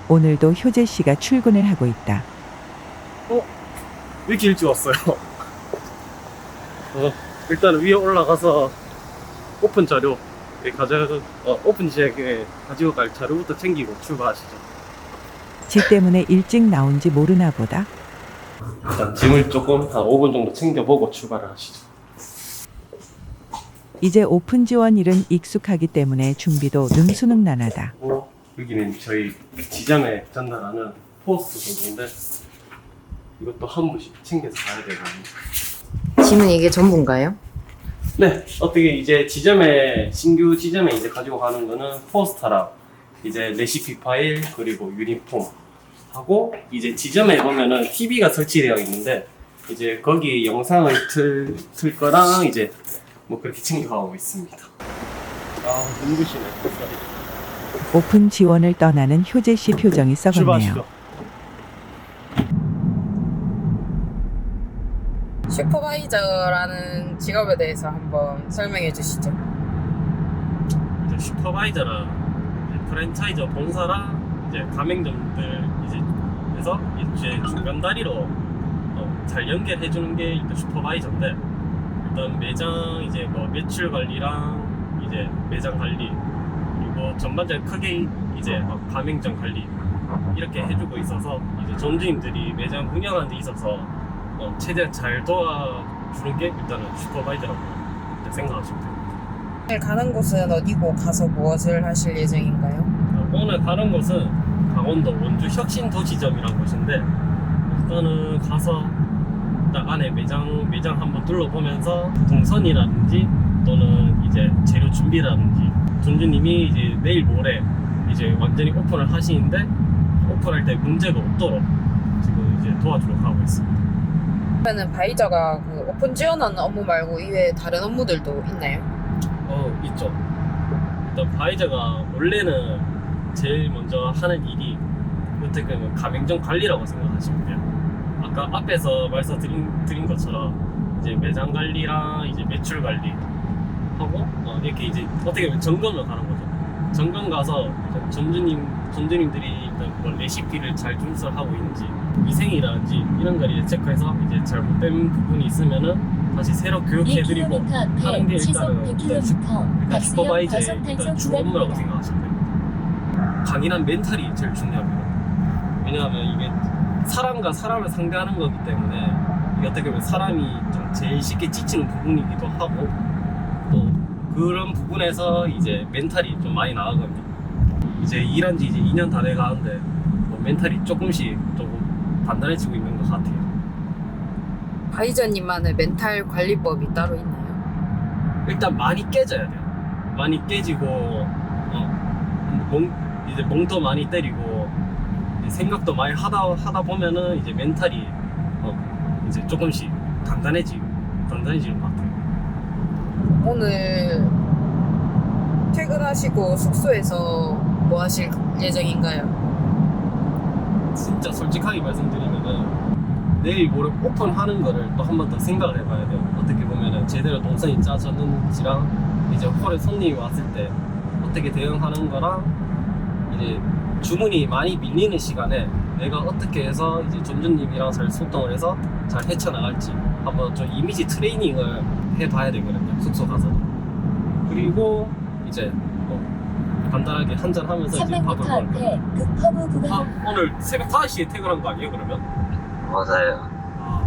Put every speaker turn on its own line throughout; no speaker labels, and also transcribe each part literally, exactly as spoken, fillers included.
오늘도 효재 씨가 출근을 하고 있다.
어? 왜 이렇게 일찍 왔어요? 어, 일단 위에 올라가서 오픈 자료 가져 어, 오픈 지역에 가지고 갈 자료부터 챙기고 출발하시죠.
지 때문에 일찍 나온지 모르나 보다.
일단 짐을 조금 한 오 분 정도 챙겨보고 출발을 하시죠.
이제 오픈 지원 일은 익숙하기 때문에 준비도 능수능란하다.
어, 여기는 저희 지점에 전달하는 포스트 정도인데 이것도 한 분씩 챙겨서 가야 되거든요.
짐은 이게 전부인가요?
네, 어떻게 이제 지점에 신규 지점에 이제 가지고 가는 거는 포스터랑 이제 레시피 파일 그리고 유니폼 하고 이제 지점에 보면은 티비가 설치되어 있는데 이제 거기 영상을 틀, 틀 거랑 이제 뭐 그렇게 챙겨가고 있습니다. 아, 눈부시네.
오픈 지원을 떠나는 효재 씨 표정이 썩었네요.
출발하시죠.
슈퍼바이저라는 직업에 대해서 한번 설명해 주시죠.
이제 슈퍼바이저랑 이제 프랜차이저 본사랑 이제 가맹점들 이제 해서 이제 중간 다리로 어, 잘 연결해 주는 게 일단 슈퍼바이저인데 일단 매장 이제 뭐 매출 관리랑 이제 매장 관리 그리고 전반적으로 크게 이제 막 가맹점 관리 이렇게 해주고 있어서 이제 점주님들이 매장 운영하는 데 있어서 어, 최대한 잘 도와주는 게 일단은 슈퍼바이저라고 생각하시면 됩니다.
오늘 가는 곳은 어디고 가서 무엇을 하실 예정인가요?
어, 오늘 가는 곳은 강원도 원주 혁신도시점이라는 곳인데 일단은 가서 딱 안에 매장 매장 한번 둘러보면서 동선이라든지 또는 이제 재료 준비라든지 점주님이 이제 내일 모레 이제 완전히 오픈을 하시는데 오픈할 때 문제가 없도록 지금 이제 도와주러 가고 있습니다.
그러면 바이저가 그 오픈 지원하는 업무 말고 이외에 다른 업무들도 있나요?
어, 있죠. 일단 바이저가 원래는 제일 먼저 하는 일이 어떻게 보면 가맹점 관리라고 생각하시면 돼요. 아까 앞에서 말씀드린 드린 것처럼 이제 매장 관리랑 이제 매출 관리 하고 어, 이렇게 이제 어떻게 보면 점검을 가는 거죠. 점검 가서 점주님 점주님들이 일단 뭐 레시피를 잘 준수하고 있는지 위생이라든지 이런 걸 이제 체크해서 이제 잘못된 부분이 있으면은 다시 새로 교육해드리고 하는 게 일단은 일단, 슈, 일단 슈퍼바이저의 일단 주 업무라고 생각하시면 됩니다. 강인한 멘탈이 제일 중요합니다. 왜냐하면 이게 사람과 사람을 상대하는 거기 때문에 이게 어떻게 보면 사람이 좀 제일 쉽게 지치는 부분이기도 하고 또 그런 부분에서 이제 멘탈이 좀 많이 나가거든요. 이제 일한 지 이제 이 년 다 돼 가는데 뭐 멘탈이 조금씩 조금 단단해지고 있는 것 같아요.
바이저님만의 멘탈 관리법이 따로 있나요?
일단 많이 깨져야 돼요. 많이 깨지고 어, 멍, 이제 멍도 많이 때리고 이제 생각도 많이 하다 하다 보면은 이제 멘탈이 어, 이제 조금씩 단단해지 단단해지는 것 같아요.
오늘 퇴근하시고 숙소에서 뭐 하실 예정인가요?
진짜 솔직하게 말씀드리면은 내일 모레 오픈하는 거를 또 한 번 더 생각을 해봐야 돼요. 어떻게 보면은 제대로 동선이 짜졌는지랑 이제 홀에 손님이 왔을 때 어떻게 대응하는 거랑 이제 주문이 많이 밀리는 시간에 내가 어떻게 해서 이제 점주님이랑 잘 소통을 해서 잘 헤쳐나갈지 한번 좀 이미지 트레이닝을 해봐야 되거든요. 숙소 가서. 그리고 이제 뭐 간단하게 한잔 하면서 이제 밥을 먹을게요. 아, 오늘 새벽 다섯 시에 퇴근한 거 아니에요, 그러면?
맞아요.
아.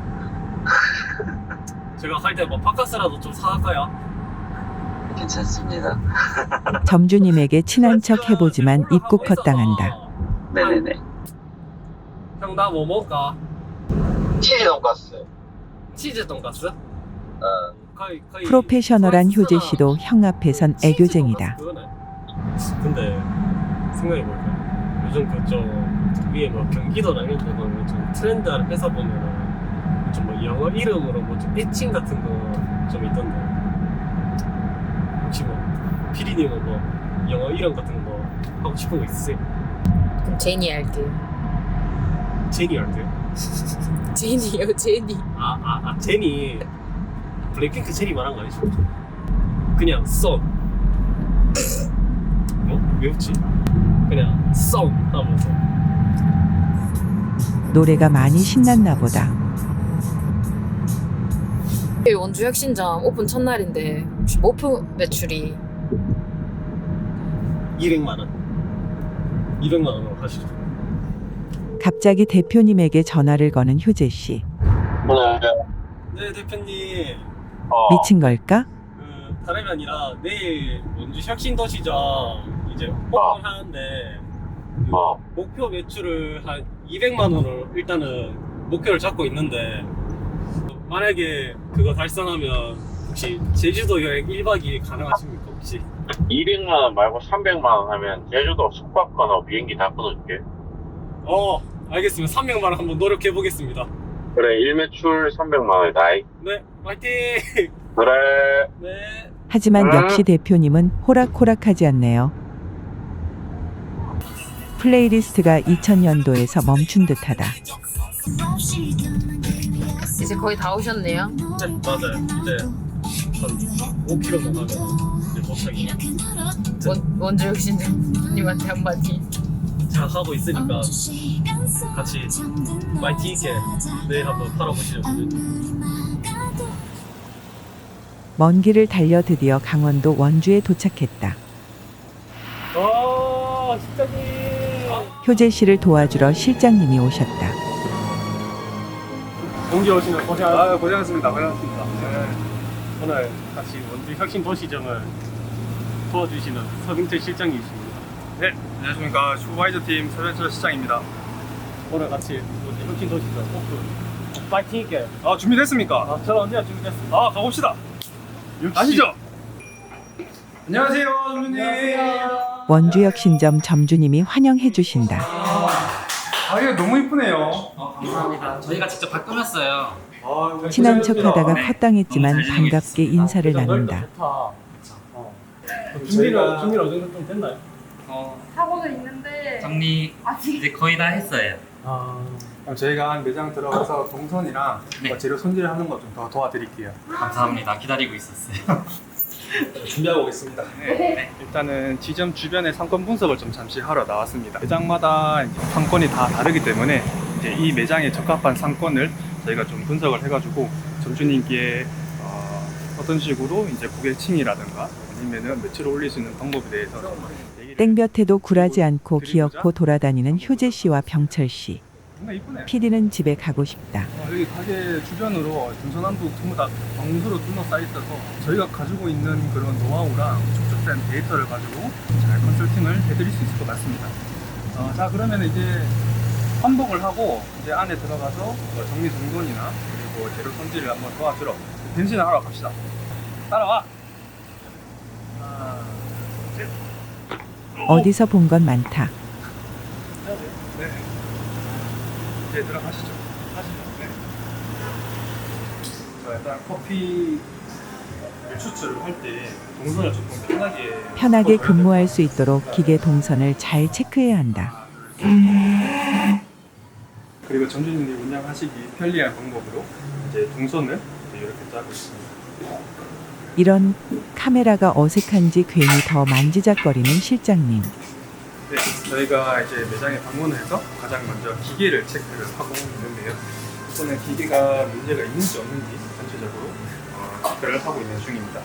제가 갈 때 뭐 바카스라도 좀 사갈까요?
괜찮습니다.
점주님에게 친한 척 해보지만 입국 헛당한다.
네네네.
형, 나 뭐 먹을까?
치즈 돈가스.
치즈 돈가스?
어.
거의, 거의
프로페셔널한 효재
프랑스나
씨도 형 앞에선
치즈
애교쟁이다.
돈가스 그거네. 근데 생각해볼까? 요즘 그좀 위에 뭐 경기도나 이런 데 보면 좀 트렌드한 회사 보면은 좀 뭐 영어 이름으로 뭐 좀 애칭 같은 거 좀 있던데 혹시 뭐 피디님은 뭐 영어 이름 같은 거 하고 싶은 거 있으세요?
그럼 제니 할게요.
제니 할게요.
제니요, 제니.
아, 아, 아, 제니. 블랙핑크 제니 말한 거 아니죠? 그냥 썬. 어? 왜 웃지? 그냥 썽 하면서.
노래가 많이 신났나 보다.
원주 혁신점 오픈 첫날인데 혹시 목표 매출이
이백만 원. 이백만 원으로 가시죠.
갑자기 대표님에게 전화를 거는 효재 씨.
네, 대표님.
어.
미친 걸까?
그 다름이 아니라 내일 원주 혁신도시점 이제 오픈하는데 그
어.
목표 매출을 한 이백만 원으로 일단은 목표를 잡고 있는데 만약에 그거 달성하면 혹시 제주도 여행 일 박 이 일 가능하십니까 혹시?
이백만 원 말고 삼백만 원 하면 제주도 숙박권하고 비행기 다 끊어줄게.
어 알겠습니다. 삼백만 원 한번 노력해 보겠습니다.
그래, 일매출 삼백만 원이다.
네 화이팅.
그래.
네.
하지만
음.
역시 대표님은 호락호락하지 않네요. 플레이리스트가 이천 년도에서 멈춘 듯하다.
이제 거의 다 오셨네요.
네 맞아요. 이제 한 오 킬로미터 가면 이제 도착이에요.
원, 원주 혁신점님한테 한마디.
잘 하고 있으니까 같이 파이팅 있게 내일 한번 팔아보시려고요.
먼 길을 달려 드디어 강원도 원주에 도착했다.
아 실장님.
효재 씨를 도와주러 실장님이 오셨다.
동기 오시면 고생.
아, 고생하셨습니다. 고생하셨습니다. 네.
오늘 같이 원주 혁신 도시점을 도와주시는 서빙철 실장님이십니다.
네, 안녕하십니까. 슈퍼바이저 팀 서현철 시장입니다.
오늘 같이 원주 혁신 도시점 오픈 파이팅 있게.
아, 준비됐습니까?
아, 저는 언제나 준비됐습니다.
아, 가봅시다. 가시죠. 안녕하세요, 점주님.
원주혁신점 점주님이 환영해 주신다.
아, 이거 너무 이쁘네요.
어, 감사합니다. 저희가 직접 다 꾸몄어요.
아,
친한 척하다가
네.
헛당했지만
너무 잘
반갑게 인사를 나눈다.
좋다. 어. 준비는 준비는 어느 정도 좀 됐나요?
어,
하고는 있는데
정리
아직
이제 거의 다 했어요.
아.
그럼 저희가 한 매장 들어가서 동선이랑
네.
뭐 재료 손질하는 거 좀 더 도와드릴게요.
감사합니다. 기다리고 있었어요.
준비하고 오겠습니다. 네. 일단은 지점 주변의 상권 분석을 좀 잠시 하러 나왔습니다. 매장마다 이제 상권이 다 다르기 때문에 이제 이 매장에 적합한 상권을 저희가 좀 분석을 해가지고 점주님께 어, 어떤 식으로 이제 고객층이라든가 아니면은 매출을 올릴 수 있는 방법에 대해서 좀 얘기를
땡볕에도 굴하지 않고 기어코 돌아다니는 효재 씨와 병철 씨.
정말 이쁘네.
피디는 집에 가고 싶다.
어, 여기 가게 주변으로 동서남북 전부 다 방수로 둘러싸여 있어서 저희가 가지고 있는 그런 노하우랑 축적된 데이터를 가지고 잘 컨설팅을 해드릴 수 있을 것 같습니다. 어, 자 그러면 이제 환복을 하고 이제 안에 들어가서 뭐 정리정돈이나 그리고 재료 손질을 한번 도와주러 변신을 하러 갑시다. 따라와. 하나, 셋.
어디서 본 건 많다.
네. 이제 들어가시죠. 하시죠. 네. 자, 일단 커피 추출을 할 때 동선을 조금 편하게
편하게
바꿔줘야
근무할
됩니다.
수 있도록 기계 동선을 잘 체크해야 한다.
그리고 점주님들이 운영하시기 편리한 방법으로 이제 동선을 이제 이렇게 짜고 있습니다.
이런 카메라가 어색한지 괜히 더 만지작거리는 실장님.
네, 저희가 이제 매장에 방문해서 가장 먼저 기계를 체크를 하고 있는데요. 우선은 기계가 문제가 있는지 없는지 전체적으로 어, 체크를 하고 있는 중입니다.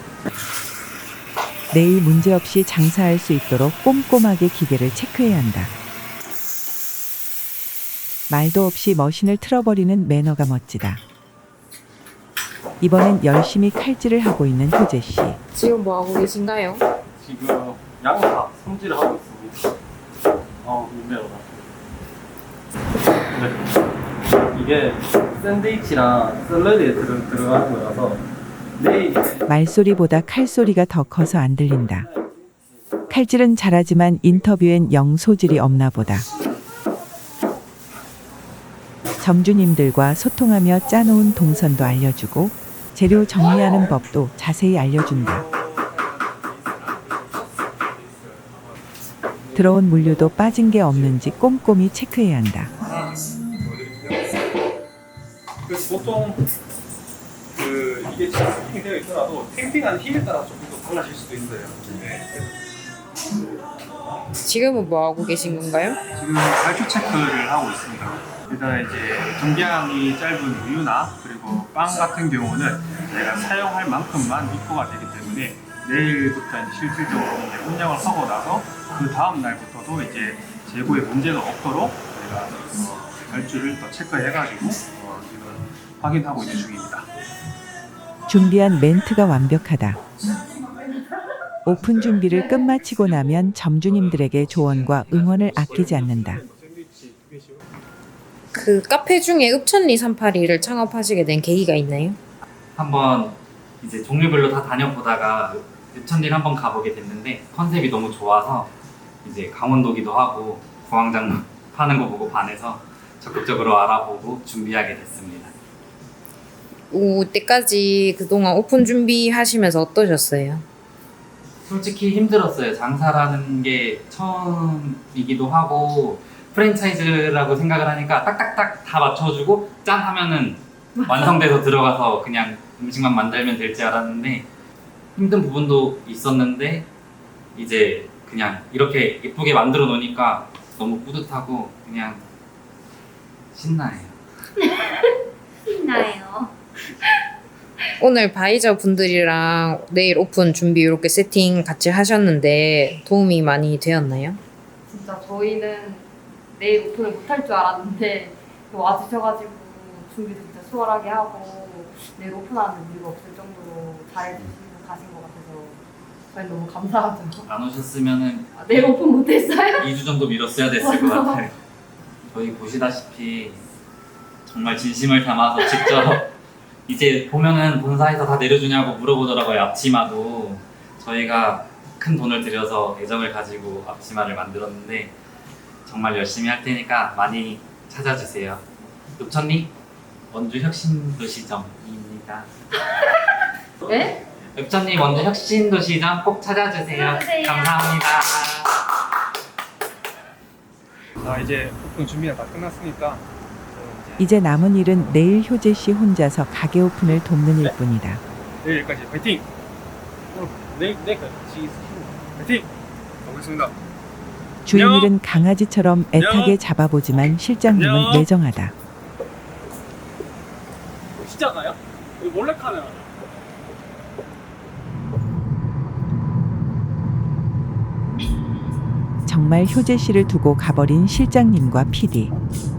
내일 문제없이 장사할 수 있도록 꼼꼼하게 기계를 체크해야 한다. 말도 없이 머신을 틀어버리는 매너가 멋지다. 이번엔 열심히 칼질을 하고 있는 효재 씨.
지금 뭐 하고 계신가요?
지금 양파 손질을 하고 있습니다. 어, 민매로다. 네. 이게 샌드위치랑 샐러드에 들어, 들어가는 거라서 내일
말소리보다 칼소리가 더 커서 안 들린다. 칼질은 잘하지만 인터뷰엔 영 소질이 없나 보다. 점주님들과 소통하며 짜놓은 동선도 알려주고 재료 정리하는 법도 자세히 알려준다. 들어온 물류도 빠진 게 없는지 꼼꼼히 체크해야 한다.
그래서 보통 그 이게 세팅이 되어 있더라도 탱핑하는 힘에 따라 조금 더 달라질 수도 있어요. 네.
지금은 뭐 하고 계신 건가요?
지금 발주 체크를 하고 있습니다. 일단 이제 정량이 짧은 우유나 그리고 빵 같은 경우는 저희가 사용할 만큼만 입고가 되기 때문에 내일부터 이제 실질적으로 이제 운영을 하고 나서 그 다음 날부터도 이제 재고에 문제가 없도록 저희가 어, 발주를 또 체크해가지고 어, 지금 확인하고 있는 중입니다.
준비한 멘트가 완벽하다. 오픈 준비를 끝마치고 나면 점주님들에게 조언과 응원을 아끼지 않는다.
그 카페 중에 읍천리 삼팔이를 창업하시게 된 계기가 있나요?
한번 이제 종류별로 다 다녀보다가 읍천리를 한번 가보게 됐는데 컨셉이 너무 좋아서 이제 강원도기도 하고 구황장 파는 거 보고 반해서 적극적으로 알아보고 준비하게 됐습니다.
오, 때까지 그동안 오픈 준비하시면서 어떠셨어요?
솔직히 힘들었어요. 장사라는 게 처음이기도 하고 프랜차이즈라고 생각을 하니까 딱딱딱 다 맞춰주고 짠 하면은 완성돼서 들어가서 그냥 음식만 만들면 될지 알았는데 힘든 부분도 있었는데 이제 그냥 이렇게 예쁘게 만들어 놓으니까 너무 뿌듯하고 그냥 신나요.
신나요.
오늘 바이저 분들이랑 내일 오픈 준비 이렇게 세팅 같이 하셨는데 도움이 많이 되었나요?
진짜 저희는 내일 오픈을 못할 줄 알았는데 와주셔가지고 준비도 진짜 수월하게 하고 내일 오픈하는 이유가 없을 정도로 잘해주시고 가신 것 같아서 저희 너무 감사하죠.
안 오셨으면은
아, 내일 오픈 못했어요?
이 주 정도 미뤘어야 됐을 것 같아요. 저희 보시다시피 정말 진심을 담아서 직접 이제 보면은 본사에서 다 내려주냐고 물어보더라고요. 앞치마도 저희가 큰 돈을 들여서 애정을 가지고 앞치마를 만들었는데 정말 열심히 할 테니까 많이 찾아주세요. 읍천리 원주 혁신도시점입니다.
네?
읍천리 원주 혁신도시점 꼭 찾아주세요.
찾아주세요.
감사합니다.
자, 이제 오픈 준비가 다 끝났으니까
이제 남은 일은 내일 효재 씨 혼자서 가게 오픈을 돕는 일뿐이다.
내일까지 파이팅!
내, 내 같이
파이팅! 가보겠습니다.
주인일은 강아지처럼 애타게 잡아보지만 실장님은
안녕.
매정하다.
진짜 가요? 몰래카메라.
정말 효재 씨를 두고 가버린 실장님과 피디.